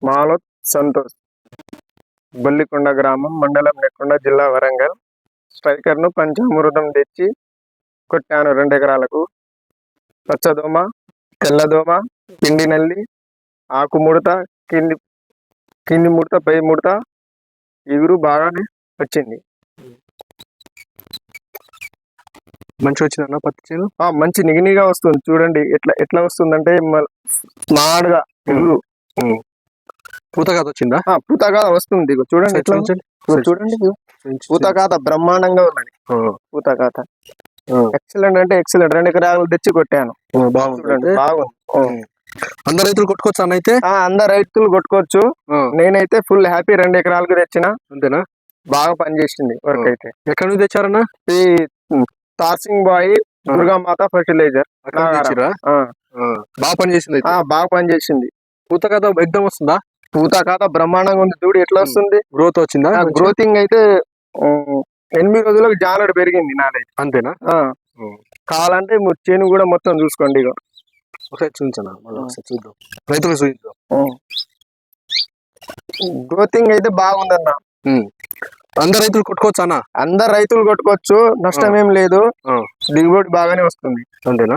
మాలోత్ సంతోష్, బొల్లికొండ గ్రామం, మండలం నెక్కొండ, జిల్లా వరంగల్. స్ట్రైకర్ను పంచామృతం తెచ్చి కొట్టాను 2 ఎకరాలకు. పచ్చదోమ, తెల్లదోమ, పిండి నల్లి, ఆకు ముడత, కింది కింది ముడత, పై ముడత, ఇగురు బాగానే వచ్చింది. మంచిగా వచ్చిందన్న పత్తి చేను. మంచి నిగినిగా వస్తుంది. చూడండి ఎట్లా ఎట్లా వస్తుందంటే స్మార్ట్గా ఇగురు. పూతకాత వచ్చిందా? పూతకాత వస్తుంది. చూడండి ఎట్లా చూడండి, పూతకాత బ్రహ్మాండంగా ఉన్నది. పూతకాత ఎక్సలెంట్ అంటే ఎక్సలెంట్. 2 ఎకరాలు తెచ్చి కొట్టాను. బాగుంది. బాగుంది. అందరు రైతులు కొట్టుకోవచ్చు అన్న అయితే? అందరు రైతులు కొట్టుకోవచ్చు. నేనైతే ఫుల్ హ్యాపీ. 2 ఎకరాలకు తెచ్చిన. అంతేనా? బాగా పనిచేసింది వర్క్ అయితే. ఎక్కడి నుంచి తెచ్చారన్న? ఈ తార్సింగ్ బాయ్ దుర్గామాత ఫర్టిలైజర్. బాగా పనిచేసింది. బాగా పనిచేసింది. పూతకాత ఎగ్దం వస్తుందా? పూతకాత బ్రహ్మాండంగా ఉంది. చూడు ఎట్లా వస్తుంది. గ్రోత్ వచ్చిందా? గ్రోతింగ్ అయితే 8 రోజులకు జానడు పెరిగింది నాదైతే. అంతేనా? కావాలంటే చేను కూడా మొత్తం చూసుకోండి. ఇక ఒకసారి చూపించనా? ఒకసారి చూద్దాం, రైతులు చూద్దాం. గ్రోతింగ్ అయితే బాగుందన్న. అందరు రైతులు కొట్టుకోవచ్చు అన్న? అందరు రైతులు కొట్టుకోవచ్చు, నష్టం ఏం లేదు. దిగుబడి బాగానే వస్తుంది. అంతేనా?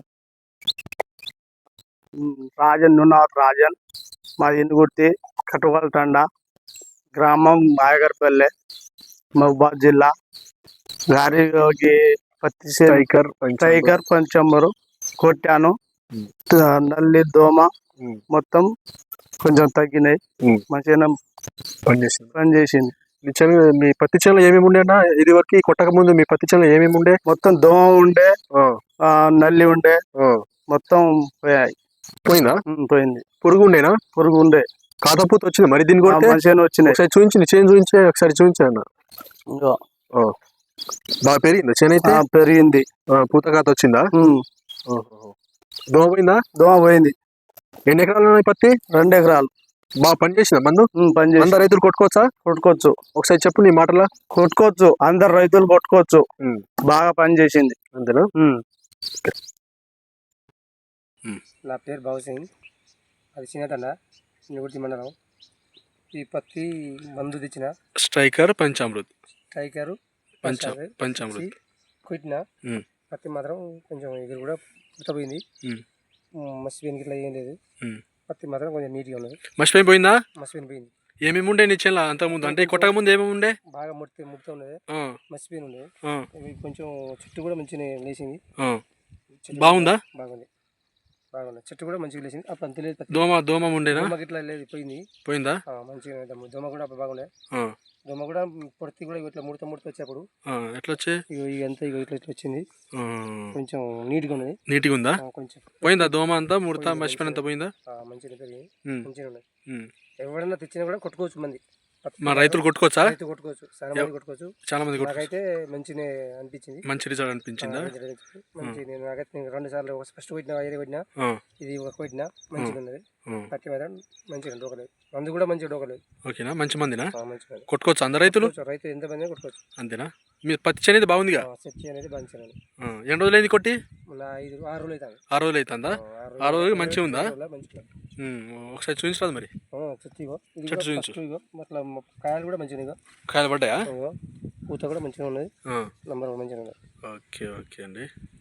రాజన్ నున్నావత్ రాజన్, మాది ఇందుగుర్తి, కటువల్ తండా, గ్రామం బాయగర్పల్లె, మహబూబాద్ జిల్లా. గారికి పత్తి స్ట్రైకర్ పంచంబరు కొట్టాను. నల్లి దోమ మొత్తం కొంచెం తగ్గినాయి. మంచిగా పనిచేసింది. మీ పత్తి చేనులో ఏమేమి ఉండే అన్న? ఇది వరకు కొట్టక ముందు మీ పత్తి చేనులో ఏమేమి ఉండే? మొత్తం దోమ ఉండే, నల్లి ఉండే, మొత్తం పోయాయి. పోయిందా? పోయింది. పురుగు ఉండేనా? పురుగు ఉండే. కాతపూత వచ్చింది మరి దీని కూడా? మంచిగా వచ్చినాయి. ఒకసారి చూపించింది, చేను చూపించే ఒకసారి చూపించాను. బాగా పెరిగిందా చేను అయితే? పెరిగింది. పూతకాత వచ్చిందా? దోమ పోయిందా? దోమ పోయింది. ఎన్ని ఎకరాలు ఉన్నాయి పత్తి? 2 ఎకరాలు. బాగా పనిచేసిందా మందు? అందరు రైతులు కొట్టుకోవచ్చా? కొట్టుకోవచ్చు. ఒకసారి చెప్పు నీ మాటలా. కొట్టుకోవచ్చు, అందరు రైతులు కొట్టుకోవచ్చు. బాగా పనిచేసింది. అంతేనా? నా పేరు బాబుసింగ్, అది చిన్నతండ, చిన్నగుర్తి మండలం. ఈ పత్తి మందు తెచ్చిన స్ట్రైకర్ పంచామృత్ కొట్టిన పత్తి మాత్రం కొంచెం ఎగురు కూడా పుట్టపోయింది. మసిపోయిన ఇట్లా ఏం లేదు. పత్తి మాత్రం కొంచెం నీట్గా ఉన్నది. మసిపోయి పోయిందా? మసిపోయిన పోయింది. ఏమేమి ఉండే నీ చేనులో అంతకుముందు? అంటే కొట్టక ముందు ఏమేమి ఉండే? బాగా ముడత ఉన్నది, మసిపోయిన ఉండేది. కొంచెం చెట్టు కూడా మంచిగా లేచింది. బాగుందా? బాగుంది. చెట్టు కూడా మంచిగా లేచింది. అప్పుడు అంత లేదు. దోమ ఉండేనా? ఇట్లా లేదు, పోయిందా? మంచిగా దోమ కూడా అప్పుడు బాగుండే. దోమ కూడా పొడితి కూడా ఇట్లా ముడత వచ్చేప్పుడు ఎట్లా వచ్చాయి? ఇదంతా ఇట్లా వచ్చింది. కొంచెం నీట్గా ఉన్నది. నీట్గా ఉందా? కొంచెం పోయిందా దోమ అంతా? ముడత మర్చిపోయినంత పోయిందా? మంచిగా పెరిగింది, మంచిగా ఉన్నది. ఎవరైనా తెచ్చినా కూడా కొట్టుకోవచ్చు. మంది మా రైతులు కొట్టుకోవచ్చా? కొట్టుకోవచ్చు, చాలా మంది నాకైతే మంచిగా అనిపించింది. మంచి రిజల్ట్ అనిపించిందా? నాకైతే 2 సార్లు ఫస్ట్ కొట్టినా, కొట్టినా, ఇది కొట్టినా, మంచిగా ఉన్నది. పత్తి మాత్రం మంచిగా డోకలేదు. మందు కూడా మంచిగా డోకలేదు. ఓకేనా? మంచి మందినా? కొట్టుకోవచ్చు అందరు రైతులు? రైతు ఎంత మంది కొట్టుకోవచ్చు. అంతేనా? మీ పత్తి అనేది బాగుందిగా? పత్తి అనేది మంచిగా. ఎన్ని రోజులు అయింది కొట్టి? 6 రోజులు అవుతుంది. 6 రోజులు అవుతుందా? 6 రోజులు మంచిగా ఉందా? ఒకసారి చూపించరాదు మరి. చెట్టు చూపించు. అట్లా కాయలు కూడా మంచిగా, కాయలు పడ్డాయా? పూత కూడా మంచిగా ఉన్నది. నంబర్ మంచిగా ఉన్నది. ఓకే అండి.